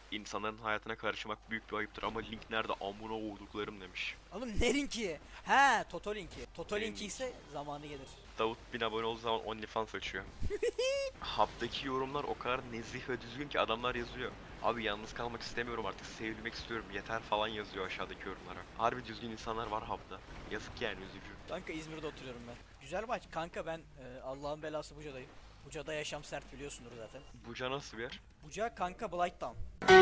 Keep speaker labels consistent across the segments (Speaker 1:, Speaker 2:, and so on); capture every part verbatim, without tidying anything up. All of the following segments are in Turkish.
Speaker 1: İnsanların hayatına karışmak büyük bir ayıptır ama link nerede amına olduklarım demiş.
Speaker 2: Oğlum ne linki? He, Toto linki. Toto
Speaker 1: Benim
Speaker 2: linki ise zamanı gelir.
Speaker 1: Davut bin abone olduğu zaman OnlyFans açıyor. Hub'daki yorumlar o kadar nezih ve düzgün ki adamlar yazıyor. Abi yalnız kalmak istemiyorum artık, sevilmek istiyorum yeter falan yazıyor aşağıdaki yorumlara. Harbi düzgün insanlar var Hub'da. Yazık yani, üzücü.
Speaker 2: Kanka İzmir'de oturuyorum ben. Güzel maç. Kanka ben e, Allah'ın belası Buca'dayım. Buca'da yaşam sert biliyorsundur zaten.
Speaker 1: Buca nasıl bir yer?
Speaker 2: Buca kanka Blighttown.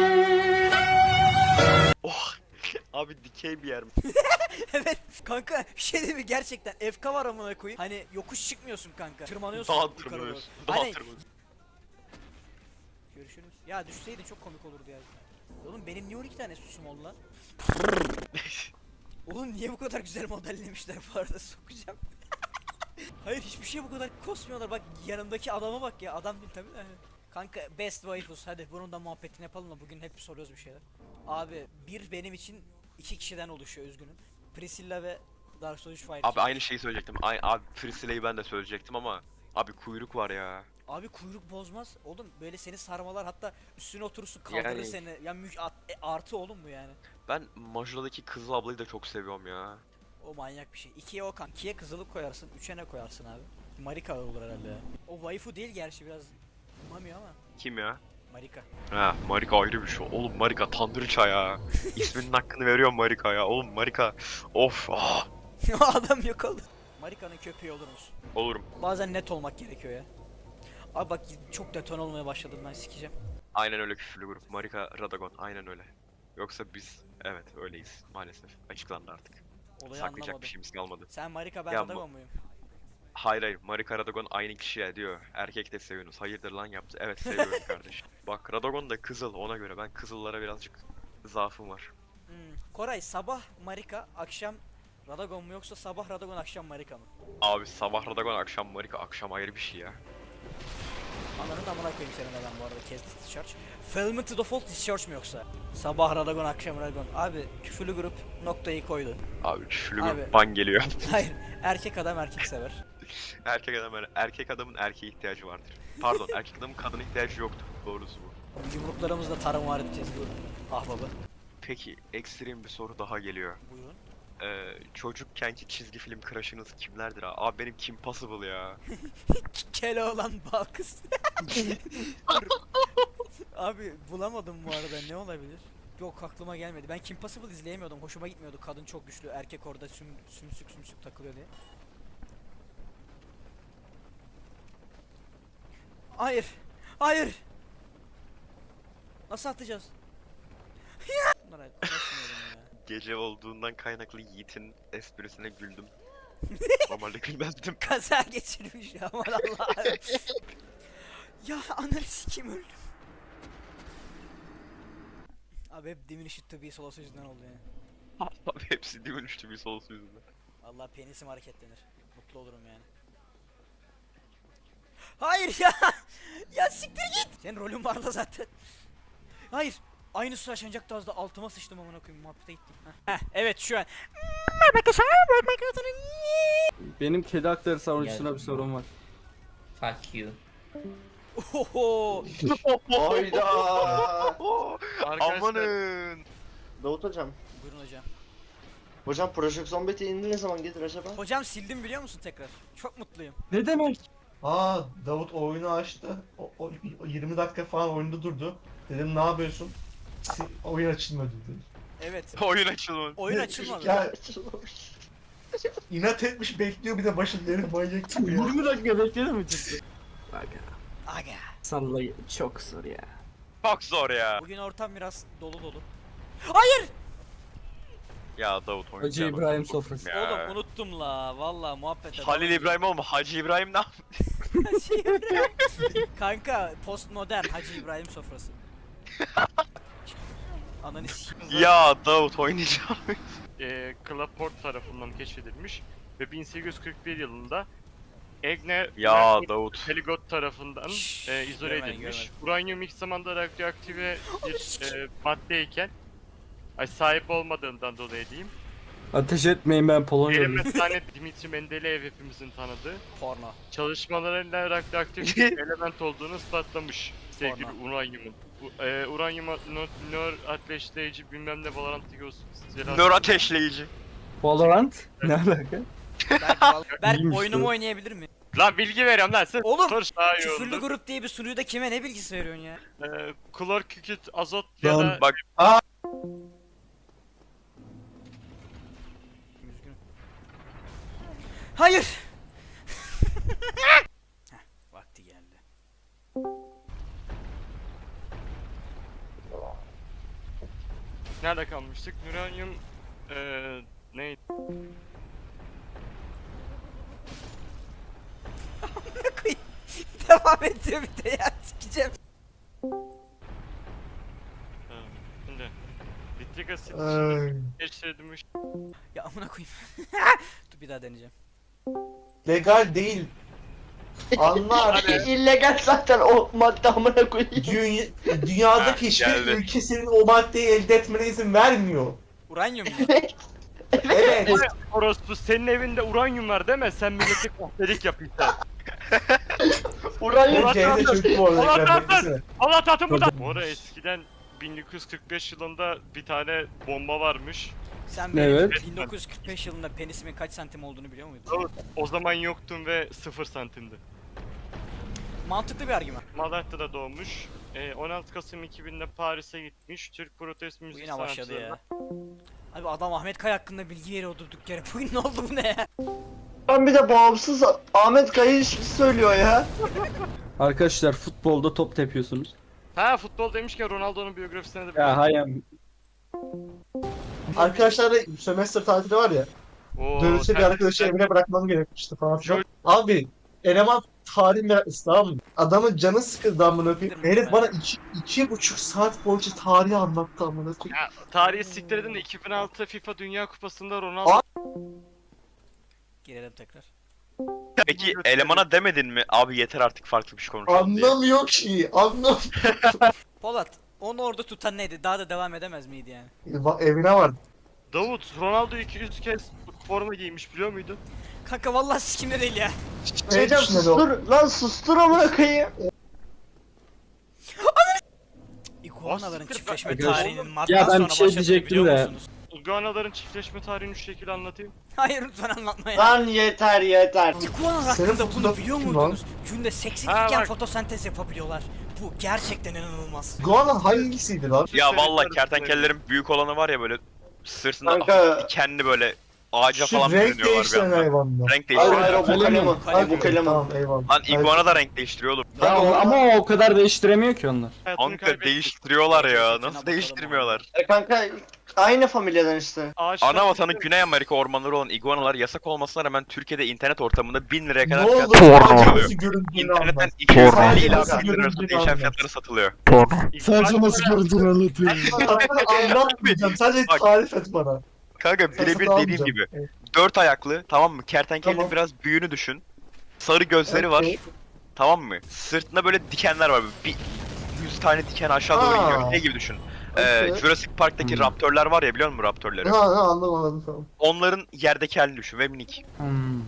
Speaker 1: Oh! Abi dikey bir yer mi?
Speaker 2: Evet kanka bir şey değil mi gerçekten F K var amına koyayım. Hani yokuş çıkmıyorsun kanka. Tırmanıyorsun
Speaker 1: Dağ
Speaker 2: yukarı doğru.
Speaker 1: tırmanıyorsun. Dağ
Speaker 2: Hani
Speaker 1: tırmanıyorsun.
Speaker 2: görüşürüz. Ya düşseydi çok komik olurdu ya. Oğlum benim niye on iki tane susum oldu lan? Oğlum niye bu kadar güzel modellemişler bu arada sokacağım. Hayır hiçbir şey bu kadar kosmuyorlar. Bak yanındaki adama bak ya. Adam değil tabii de. Kanka best waifus hadi bunun da muhabbetini yapalım da bugün hep soruyoruz bir şeyler. Abi bir benim için iki kişiden oluşuyor üzgünüm. Priscilla ve Dark Souls üç Fire.
Speaker 1: Abi aynı şeyi söyleyecektim. Ay, abi Priscilla'yı ben de söyleyecektim ama abi kuyruk var ya.
Speaker 2: Abi kuyruk bozmaz. Oğlum böyle seni sarmalar hatta üstüne oturursun kaldırır
Speaker 1: Yani-
Speaker 2: seni. Ya mü at- e, artı oğlum bu yani.
Speaker 1: Ben Majora'daki Kızıl ablayı da çok seviyorum ya.
Speaker 2: O manyak bir şey. ikiye o kan. ikiye kızılık koyarsın. üçe ne koyarsın abi? Marika olur herhalde ya. O waifu değil gerçi biraz umamıyor ama.
Speaker 1: Kim ya?
Speaker 2: Marika.
Speaker 1: Ha, Marika ayrı bir şey. Oğlum Marika tanrıça ya. İsminin hakkını veriyorum Marika ya. Oğlum Marika. Of. Ah.
Speaker 2: Adam yok oldu. Marika'nın köpeği olur musun?
Speaker 1: Olurum.
Speaker 2: Bazen net olmak gerekiyor ya. Abi bak çok deton olmaya başladım ben sikeceğim.
Speaker 1: Aynen öyle, küfürlü grup. Marika Radagon. Aynen öyle. Yoksa biz evet öyleyiz maalesef. Açıklandı artık.
Speaker 2: Olayı
Speaker 1: Saklayacak
Speaker 2: anlamadım.
Speaker 1: bir şeyimiz kalmadı.
Speaker 2: Sen Marika ben
Speaker 1: Ya
Speaker 2: Radagon muyum?
Speaker 1: Hayır hayır, Marika Radagon aynı kişiye diyor. Erkek de seviyorsunuz. Hayırdır lan yaptı. Evet seviyorum kardeş. Bak Radagon da kızıl, ona göre. Ben kızıllara birazcık zaafım var.
Speaker 2: Hmm. Koray sabah Marika akşam Radagon mu yoksa sabah Radagon akşam Marika mı?
Speaker 1: Abi sabah Radagon, akşam Marika. Akşam ayrı bir şey ya.
Speaker 2: Ananı da amına koyayım senin adam bu arada kes discharge. Failment to default discharge mu yoksa? Sabah Radagon akşam Radagon. Abi küfürlü grup noktayı koydu.
Speaker 1: Abi küfürlü
Speaker 2: Abi.
Speaker 1: grup ban geliyor.
Speaker 2: Hayır erkek adam erkek sever.
Speaker 1: Erkek adam öyle. Erkek adamın erkeğe ihtiyacı vardır. Pardon, erkek adamın kadına ihtiyacı yoktur. Doğrusu bu.
Speaker 2: Yumruklarımızla tarım var edeceğiz bu ahbabı.
Speaker 1: Peki, ekstrem bir soru daha geliyor.
Speaker 2: Buyurun.
Speaker 1: Ee, çocukkenki çizgi film crush'ınız kimlerdir abi? Abi benim Kim Possible ya.
Speaker 2: Keloğlan bal kız. Dur. Abi bulamadım bu arada ne olabilir? Yok aklıma gelmedi. Ben Kim Possible izleyemiyordum. Hoşuma gitmiyordu. Kadın çok güçlü. Erkek orada süm, sümsük sümsük takılıyor diye. Hayır. Hayır. Nasıl atacağız? Bunlara uğraşmıyorum ya.
Speaker 1: Gece olduğundan kaynaklı Yiğit'in esprisine güldüm. Normalde gülmezdim.
Speaker 2: Kaza geçirmiş ya aman Allah'ım. Ya ananı sikeyim öldüm. Abi hep Diminished to be solosu yüzünden oldu yani.
Speaker 1: Abi hepsi dönüştü bir solusu yüzünden.
Speaker 2: Vallahi penisim hareketlenir. Mutlu olurum yani. Hayır ya. Ya siktir git. Senin rolün vardı zaten. Hayır. Aynısı yaşanacaktı az da altıma sıçtım amına koyayım muhabbete gittim. Heh, Heh, evet şu an.
Speaker 3: Benim kedi hakları savunucusuna bir sorun var.
Speaker 4: Fuck you.
Speaker 2: Oho.
Speaker 5: Hayda.
Speaker 1: Amanın.
Speaker 5: Davut hocam.
Speaker 2: Buyurun hocam.
Speaker 5: Hocam Project Zombies'i indi ne zaman gelir acaba?
Speaker 2: Hocam sildim biliyor musun tekrar? Çok mutluyum.
Speaker 3: Ne demek?
Speaker 6: Aa Davut oyunu açtı. O, o, o yirmi dakika falan oyunda durdu. Dedim ne yapıyorsun? Si- oyun açılmadı dedi.
Speaker 2: Evet.
Speaker 1: Oyun açılmadı.
Speaker 2: Oyun açılmadı.
Speaker 6: Ya inat etmiş bekliyor bir de başında herif manyak gibi ya.
Speaker 3: yirmi dakika bekledin mi ciddi? Aga.
Speaker 2: Aga.
Speaker 3: Sallayı çok zor ya.
Speaker 1: Çok zor ya.
Speaker 2: Bugün ortam biraz dolu dolu. Hayır.
Speaker 1: Ya Davut oyun.
Speaker 3: Hacı İbrahim sofrası.
Speaker 1: Ya.
Speaker 2: Oğlum unuttum la. Vallahi muhabbet
Speaker 1: Halil İbrahim olma, Hacı İbrahim ne yap-
Speaker 2: Hacı İbrahim. Kanka postmodern Hacı İbrahim sofrası. Ananı s**eyim.
Speaker 1: Ya Davut oynayacağım.
Speaker 7: e, Claport tarafından keşfedilmiş ve bin sekiz yüz kırk bir yılında Egne
Speaker 1: Ya Davut.
Speaker 7: Heligot tarafından
Speaker 2: Şşş,
Speaker 7: e, izole
Speaker 2: görmedim,
Speaker 7: edilmiş.
Speaker 2: görmedim.
Speaker 7: Uranyum ilk zamanda radyoaktive bir e, maddeyken ay, sahip olmadığından dolayı diyeyim.
Speaker 3: Ateş etmeyin ben Polonya'lıyım.
Speaker 7: Verimli Dimitri Mendeleev hepimizin tanıdığı
Speaker 2: Porno.
Speaker 7: çalışmalarıyla radyoaktif bir element olduğunu ispatlamış. sevgili uranyumun. U- E, uranyuma nör, nör ateşleyici bilmem ne Valorant'taki o silahlar-
Speaker 1: Nör ateşleyici.
Speaker 3: Valorant? Ne alaka?
Speaker 2: Berk, val- Berk
Speaker 3: İyiymiş
Speaker 2: oyunumu
Speaker 3: bu.
Speaker 2: oynayabilir mi?
Speaker 7: Lan bilgi veriyorum lan sen.
Speaker 2: Oğlum,
Speaker 7: Sonuç daha iyi
Speaker 2: Küfürlü
Speaker 7: oldu.
Speaker 2: grup diye bir sunuyu da kime ne bilgisi veriyorsun ya?
Speaker 7: Ee, klor, kükürt, azot ya
Speaker 6: Lan
Speaker 7: da
Speaker 1: bak-
Speaker 2: Üzgünüm. Hayır. Heh, vakti geldi.
Speaker 7: nerede kalmıştık? Uranyum eee neydi?
Speaker 2: Koyayım. Devam ediyor bir de ya, sikeceğim.
Speaker 7: Ha, şimdi nitrik asit
Speaker 6: Ay.
Speaker 7: geçirilmiş.
Speaker 2: Ya amına koyayım. Dur bir daha deneyeceğim.
Speaker 6: Legal değil. Anlar.
Speaker 5: illegal zaten o madde amına koyayım.
Speaker 6: Dünya, dünyadaki
Speaker 1: Ha,
Speaker 6: hiçbir
Speaker 1: geldi.
Speaker 6: ülke senin o maddeyi elde etmene izin vermiyor.
Speaker 2: Uranyum mu?
Speaker 6: Evet.
Speaker 7: Orospu senin evinde uranyum var değil mi? Sen milleti kahpelik yapıyorsun.
Speaker 5: Uranyum.
Speaker 7: Ulan-
Speaker 6: C'de çocuk bu
Speaker 7: Ulan
Speaker 6: arada.
Speaker 7: lan
Speaker 6: beklesene.
Speaker 7: Allah tatım burada. Bu arada eskiden bin dokuz yüz kırk beş yılında bir tane bomba varmış.
Speaker 2: Sen benim
Speaker 3: Evet.
Speaker 2: bin dokuz yüz kırk beş yılında penisimin kaç santim olduğunu biliyor muydun?
Speaker 7: O zaman yoktun ve sıfır santimdi.
Speaker 2: Mantıklı bir argüman.
Speaker 7: Malatya'da doğmuş. Ee, on altı Kasım iki binde Paris'e gitmiş. Türk protest
Speaker 2: Bu
Speaker 7: müzik
Speaker 2: yine başladı ya.
Speaker 7: sanatçılarına.
Speaker 2: Abi adam Ahmet Kaya hakkında bilgi veriyor durduk yere. Bugün ne oldu bu ne ya?
Speaker 5: Ben bir de bağımsız Ahmet Kayı söylüyor ya.
Speaker 3: Arkadaşlar futbolda top tepiyorsunuz.
Speaker 7: Ha futbol demişken Ronaldo'nun biyografisine de
Speaker 3: Ya hayır.
Speaker 6: Arkadaşlar da sömestr tatili var ya.
Speaker 7: Oo,
Speaker 6: Dönüşte bir
Speaker 7: sen-
Speaker 6: arkadaşı
Speaker 7: sen-
Speaker 6: evine bırakmam gerekmişti falan filan.
Speaker 7: Şöyle-
Speaker 6: Abi eleman tarih meraklısı tamam mı? Adamın canı sıkıldı amına koyayım.
Speaker 2: Değil mi?
Speaker 6: Herif bana iki, iki buçuk saat boyunca tarihi anlattı amına koyayım.
Speaker 7: Ya, tarihi siktir edin de iki bin altı FIFA Dünya Kupası'nda Ronaldo
Speaker 6: Aa!
Speaker 2: Girelim tekrar.
Speaker 1: Peki elemana demedin mi? Abi yeter artık farklı bir şey konuşalım diye.
Speaker 6: Anlamıyor ki. Anlam.
Speaker 2: Polat, onu orada tutan neydi? Daha da devam edemez miydi yani?
Speaker 6: Va- Evine var.
Speaker 7: Davut Ronaldo iki yüz kez forma giymiş biliyor muydun?
Speaker 2: Kanka vallahi sikimde değil ya.
Speaker 5: Şeycan
Speaker 6: düşünüyor o?
Speaker 5: sustur lan sustur amına koyayım.
Speaker 2: İguanaların
Speaker 7: siktir,
Speaker 2: çiftleşme
Speaker 3: ben-
Speaker 2: tarihinin Mart'tan
Speaker 3: Ya ben
Speaker 2: sonra
Speaker 3: bir şey
Speaker 2: başladığını
Speaker 3: diyecektim
Speaker 2: biliyor
Speaker 3: de.
Speaker 2: musunuz?
Speaker 7: İguanaların çiftleşme tarihini şu şekilde anlatayım.
Speaker 2: Hayır lütfen anlatma ya.
Speaker 5: Lan yeter yeter.
Speaker 2: İguanalar
Speaker 6: Senin
Speaker 2: hakkında
Speaker 6: fotoğraf
Speaker 2: bunu biliyor
Speaker 6: kim
Speaker 2: muydunuz? Günde seksen
Speaker 7: Ha,
Speaker 2: iken
Speaker 7: bak.
Speaker 2: fotosentez yapabiliyorlar. Bu gerçekten inanılmaz.
Speaker 6: Guana hangisiydi lan?
Speaker 1: Ya vallahi
Speaker 7: Sebepler-
Speaker 1: kertenkelelerin büyük olanı var ya böyle sırtında
Speaker 5: Kanka.
Speaker 1: dikenli böyle ağaca
Speaker 6: Şu
Speaker 1: falan
Speaker 6: renk
Speaker 1: bürünüyorlar bir
Speaker 6: değiştiren
Speaker 1: anda.
Speaker 6: hayvanlar.
Speaker 1: Renk
Speaker 5: Hayır hayır
Speaker 1: değiştiriyor.
Speaker 5: o bu kalem o. Hayır bu
Speaker 6: Okey,
Speaker 5: kalem o.
Speaker 6: Tamam eyvallah.
Speaker 1: Lan iguana da renk değiştiriyor oğlum.
Speaker 3: Ya, o- ama o kadar değiştiremiyor ki onlar.
Speaker 7: Hayatını
Speaker 1: Kanka
Speaker 7: kaybetti.
Speaker 1: değiştiriyorlar ya.
Speaker 2: Gerçekten
Speaker 1: Nasıl
Speaker 2: bakalım
Speaker 1: değiştirmiyorlar?
Speaker 5: E kanka aynı familyadan işte.
Speaker 7: Ağaçlar-
Speaker 1: Ana vatanı Güney Amerika ormanları olan iguanalar yasak olmasına rağmen Türkiye'de internet ortamında bin liraya
Speaker 6: Ne
Speaker 1: kadar
Speaker 6: oldu?
Speaker 1: fiyat
Speaker 6: Sadece
Speaker 1: satılıyor.
Speaker 6: nasıl göründüğünü
Speaker 1: İnternetten
Speaker 6: anlat.
Speaker 1: iki yüz
Speaker 6: Porno.
Speaker 1: elli ila
Speaker 6: Nasıl
Speaker 1: bin lira arasında
Speaker 6: göründüğünü
Speaker 1: değişen
Speaker 6: anlat.
Speaker 1: fiyatları satılıyor.
Speaker 7: İguana-
Speaker 6: göründüğünü anlatıyorum. Anlatmayacağım. Sadece
Speaker 1: Bak.
Speaker 6: tarif et bana.
Speaker 1: Kanka
Speaker 6: Sen
Speaker 1: birebir
Speaker 6: satın
Speaker 1: dediğim
Speaker 6: almayacağım.
Speaker 1: gibi.
Speaker 6: Evet.
Speaker 1: Dört ayaklı tamam mı? Kertenkelenin
Speaker 6: Tamam.
Speaker 1: biraz büyüğünü düşün. Sarı gözleri var.
Speaker 6: Okey.
Speaker 1: Tamam mı? Sırtında böyle dikenler var. Bir yüz tane diken aşağı doğru
Speaker 6: Aa.
Speaker 1: iniyor. Ne gibi düşün? Ee,
Speaker 6: Okey.
Speaker 1: Jurassic Park'taki
Speaker 3: Hmm.
Speaker 1: raptörler var ya biliyor musun raptörleri?
Speaker 6: Ha ha anladım anladım tamam.
Speaker 1: Onların yerdeki halini düşün ve minik.
Speaker 3: Hmm.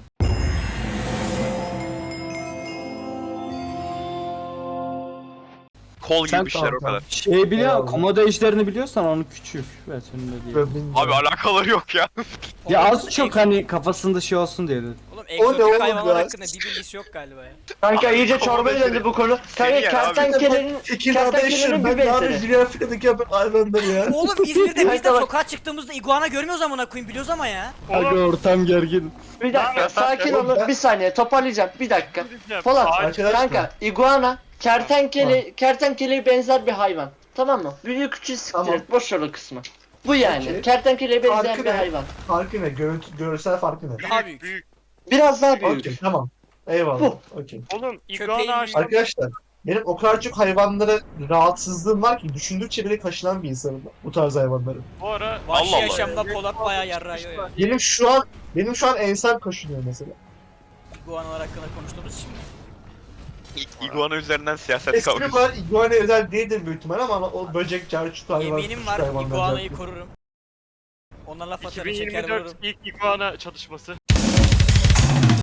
Speaker 1: Kol
Speaker 3: Sen-
Speaker 1: gibi bir şeyler o
Speaker 6: Tamam,
Speaker 1: kadar.
Speaker 3: Şey biliyor,
Speaker 6: Eyvallah.
Speaker 3: komodo ejderini biliyorsan onu küçük versiyonunda diye.
Speaker 6: Ben bilmiyorum.
Speaker 1: Abi alakaları yok ya.
Speaker 3: Ya
Speaker 2: Polat,
Speaker 3: az çok
Speaker 2: egzo-
Speaker 3: hani kafasında şey olsun diye dedim.
Speaker 2: Oğlum
Speaker 6: O ne oğlum
Speaker 2: egzotik hayvanlar
Speaker 6: ya?
Speaker 2: hakkında bir bilgisi yok galiba ya.
Speaker 5: Kanka iyice çorbaya döndü bu konu. Kanka
Speaker 1: Seni yer abi.
Speaker 5: kertenkelenin
Speaker 6: Tekirdağ'da
Speaker 5: kertenkelenin
Speaker 6: yaşıyorum.
Speaker 5: bir
Speaker 6: Ben ne yapayım?
Speaker 5: benzeri.
Speaker 6: Dünya Afrika'daki hayvanları ya.
Speaker 2: Oğlum İzmir'de biz de
Speaker 5: Kanka bak-
Speaker 2: sokağa çıktığımızda iguana görmüyoruz amına koyayım biliyoruz ama ya.
Speaker 3: Aga
Speaker 7: Oğlum,
Speaker 3: ortam gergin.
Speaker 5: Bir dakika sakin
Speaker 6: Oğlum ben-
Speaker 5: olun bir saniye toparlayacağım bir dakika.
Speaker 7: diyeceğim.
Speaker 5: Polat
Speaker 7: Ağaç-
Speaker 6: Arkadaşlar.
Speaker 5: kanka iguana kertenkele kertenkeleye benzer bir hayvan. Tamam mı? Büyük küçük siktir
Speaker 6: Tamam.
Speaker 5: et boş ver o kısmı. Bu yani
Speaker 6: Okey.
Speaker 5: kertenkeleye benzer
Speaker 6: Farkı
Speaker 5: bir
Speaker 6: ne?
Speaker 5: hayvan.
Speaker 6: Farkı ne? Görüntü, görsel farkı ne?
Speaker 2: Daha büyük.
Speaker 7: büyük.
Speaker 5: Biraz daha büyük.
Speaker 6: Okey tamam. Eyvallah.
Speaker 5: Bu.
Speaker 6: Okey.
Speaker 7: Oğlum
Speaker 2: Köpeğin
Speaker 7: iguana ağaçtan
Speaker 6: Arkadaşlar benim o kadar çok hayvanlara rahatsızlığım var ki düşündükçe bile kaşınan bir insanım ben, bu tarz hayvanları.
Speaker 7: bu ara
Speaker 2: Vahşi
Speaker 1: Allah Allah.
Speaker 2: yaşamda Polat bayağı yarrağıyor ya.
Speaker 6: Benim şu an benim şu an ensem kaşınıyor mesela.
Speaker 2: İguanalar hakkında konuştuğumuz için mi?
Speaker 1: İ- İguana üzerinden siyaset
Speaker 6: Eski
Speaker 1: kavgası.
Speaker 6: var iguana özel değildir büyük ihtimal ama o böcek, carçut hayvan.
Speaker 2: Yeminim
Speaker 6: küçük
Speaker 2: var
Speaker 6: hayvanlar,
Speaker 2: iguanayı
Speaker 6: carçut.
Speaker 2: korurum. Onlarla fatarı çeker vururum.
Speaker 7: iki bin yirmi dört ilk iguana çatışması.